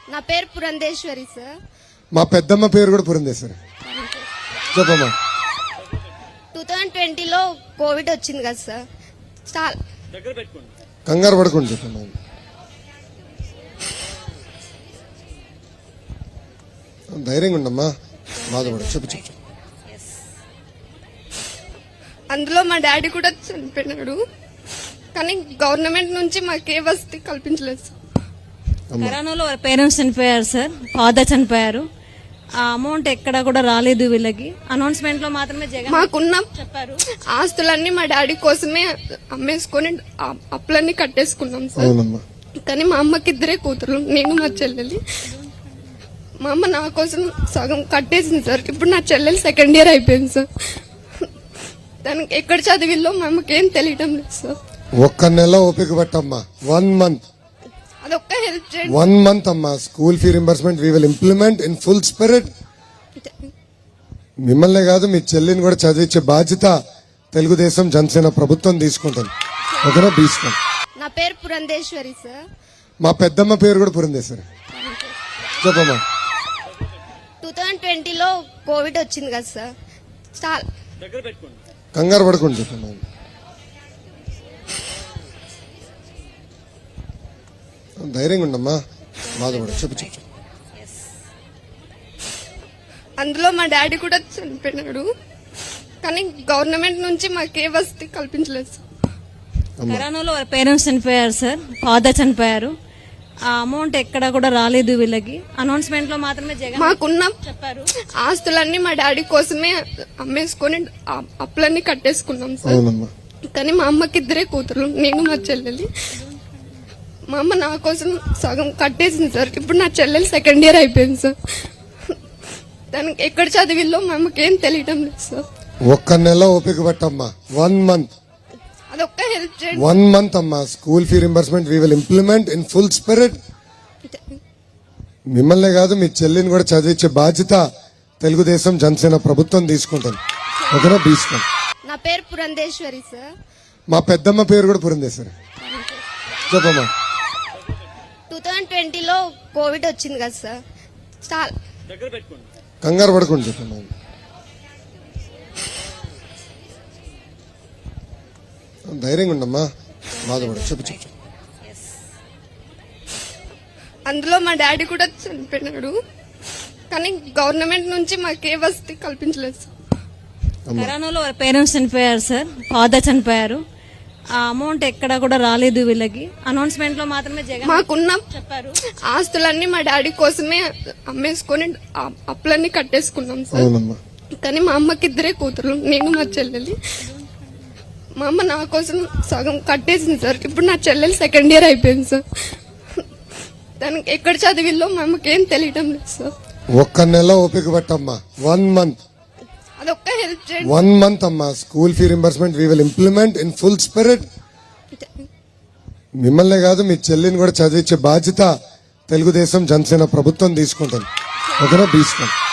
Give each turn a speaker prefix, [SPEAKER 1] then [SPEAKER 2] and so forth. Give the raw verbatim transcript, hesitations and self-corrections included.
[SPEAKER 1] నా పేరు పురంధేశ్వరి సార్.
[SPEAKER 2] మా పెద్దమ్మ పేరు కూడా పురంధేశ్వరి. చెప్పమ్మా.
[SPEAKER 1] టూ థౌజండ్ ట్వంటీలో కోవిడ్ వచ్చింది కదా సార్. చాలా
[SPEAKER 2] కంగారు పడుకోండి. చెప్పమ్మా. ధైర్యంగా ఉండమ్మా, బాధపడు. చెప్పు చెప్పు.
[SPEAKER 1] అందులో మా డాడీ కూడా చనిపోయినాడు, కానీ గవర్నమెంట్ నుంచి మాకే వసతి కల్పించలేదు సార్.
[SPEAKER 3] కరోనాలో పేరెంట్స్ చనిపోయారు సార్, ఫాదర్ చనిపోయారు. ఆ అమౌంట్ ఎక్కడ కూడా రాలేదు వీళ్ళకి. అనౌన్స్మెంట్ లో మాత్రమే జగన్
[SPEAKER 1] మాకున్న
[SPEAKER 3] చెప్పారు.
[SPEAKER 1] ఆస్తులన్నీ మా డాడీ కోసమే అమ్మేసుకొని ఆ అప్పులన్నీ కట్టేసుకున్నాం సార్.
[SPEAKER 2] అవునమ్మా.
[SPEAKER 1] కానీ మా అమ్మకి ఇద్దరే కూతురు, నేను మా చెల్లెలి. మా అమ్మ నా కోసం సగం కట్టేసింది సార్. ఇప్పుడు నా చెల్లెలు సెకండ్ ఇయర్ అయిపోయింది సార్. దానికి ఎక్కడ చదివిల్లో మా అమ్మకి ఏం తెలియటం లేదు సార్.
[SPEAKER 2] ఒక్క నెల ఓపిక పట్టమ్మా. వన్ మంత్
[SPEAKER 1] అదొక్క హెల్ప్ చేయండి.
[SPEAKER 2] వన్ మంత్ అమ్మా. School fee reimbursement we will implement in full spirit. మిమ్మల్నే కాదు, మీ చెల్లిని కూడా చదివించే బాధ్యత తెలుగుదేశం జనసేన ప్రభుత్వం తీసుకుంటుంది. ఓకేనా? తీసుకోండి.
[SPEAKER 1] నా పేరు పురంధేశ్వరి సార్.
[SPEAKER 2] మా పెద్దమ్మ పేరు కూడా పురంధేశ్వరి. చెప్పమ్మా.
[SPEAKER 1] టూ థౌజండ్ ట్వంటీలో కోవిడ్ వచ్చింది కదా సార్. చాలా
[SPEAKER 2] కంగారు పడుకోండి. చెప్పమ్మా. ధైర్యంగా ఉండమ్మా, బాధపడు. చెప్పు చెప్పు.
[SPEAKER 1] అందులో మా డాడీ కూడా చనిపోయినాడు, కానీ గవర్నమెంట్ నుంచి మాకే వసతి కల్పించలేదు సార్.
[SPEAKER 3] కరోనాలో పేరెంట్స్ చనిపోయారు సార్, ఫాదర్ చనిపోయారు. ఆ అమౌంట్ ఎక్కడ కూడా రాలేదు వీళ్ళకి. అనౌన్స్మెంట్ లో మాత్రమే జగన్
[SPEAKER 1] మాకున్న
[SPEAKER 3] చెప్పారు.
[SPEAKER 1] ఆస్తులన్నీ మా డాడీ కోసమే అమ్మేసుకొని ఆ అప్పులన్నీ కట్టేసుకున్నాం సార్.
[SPEAKER 2] అవునమ్మా.
[SPEAKER 1] కానీ మా అమ్మకి ఇద్దరే కూతురు, నేను మా చెల్లెలి. మా అమ్మ నా కోసం సగం కట్టేసింది సార్. ఇప్పుడు నా చెల్లెలు సెకండ్ ఇయర్ అయిపోయింది సార్. దానికి ఎక్కడ చదివిల్లో మా అమ్మకి ఏం తెలియటం లేదు సార్.
[SPEAKER 2] ఒక్క నెల ఓపిక పట్టమ్మా. వన్ మంత్
[SPEAKER 1] అదొక్క హెల్ప్ చేయండి.
[SPEAKER 2] వన్ మంత్ అమ్మా. School fee reimbursement we will implement in full spirit. మిమ్మల్నే కాదు, మీ చెల్లిని కూడా చదివించే బాధ్యత తెలుగుదేశం జనసేన ప్రభుత్వం తీసుకుంటుంది. ఓకేనా? తీసుకోండి.
[SPEAKER 1] నా పేరు పురంధేశ్వరి సార్.
[SPEAKER 2] మా పెద్దమ్మ పేరు కూడా పురంధేశ్వరి. చెప్పమ్మా.
[SPEAKER 1] టూ థౌజండ్ ట్వంటీలో కోవిడ్ వచ్చింది కదా సార్. చాలా
[SPEAKER 2] కంగారు పడుకోండి. చెప్పమ్మా. ధైర్యంగా ఉండమ్మా, బాధపడు. చెప్పు చెప్పు.
[SPEAKER 1] అందులో మా డాడీ కూడా చనిపోయినాడు, కానీ గవర్నమెంట్ నుంచి మాకే వసతి కల్పించలేదు సార్.
[SPEAKER 3] కరోనాలో పేరెంట్స్ చనిపోయారు సార్, ఫాదర్ చనిపోయారు. ఆ అమౌంట్ ఎక్కడ కూడా రాలేదు వీళ్ళకి. అనౌన్స్మెంట్ లో మాత్రమే జగన్
[SPEAKER 1] మాకున్న
[SPEAKER 3] చెప్పారు.
[SPEAKER 1] ఆస్తులన్నీ మా డాడీ కోసమే అమ్మేసుకొని ఆ అప్పులన్నీ కట్టేసుకున్నాం సార్.
[SPEAKER 2] అవునమ్మా.
[SPEAKER 1] కానీ మా అమ్మకి ఇద్దరే కూతురు, నేను మా చెల్లెలి. మా అమ్మ నా కోసం సగం కట్టేసింది సార్. ఇప్పుడు నా చెల్లెలు సెకండ్ ఇయర్ అయిపోయింది సార్. దానికి ఎక్కడ చదివిల్లో మా అమ్మకి ఏం తెలియటం లేదు సార్.
[SPEAKER 2] ఒక్క నెల ఓపిక పట్టమ్మా. వన్ మంత్
[SPEAKER 1] అదొక్క హెల్ప్ చేయండి.
[SPEAKER 2] వన్ మంత్ అమ్మా. School fee reimbursement we will implement in full spirit. మిమ్మల్నే కాదు, మీ చెల్లిని కూడా చదివించే బాధ్యత తెలుగుదేశం జనసేన ప్రభుత్వం తీసుకుంటుంది. ఓకేనా? తీసుకోండి.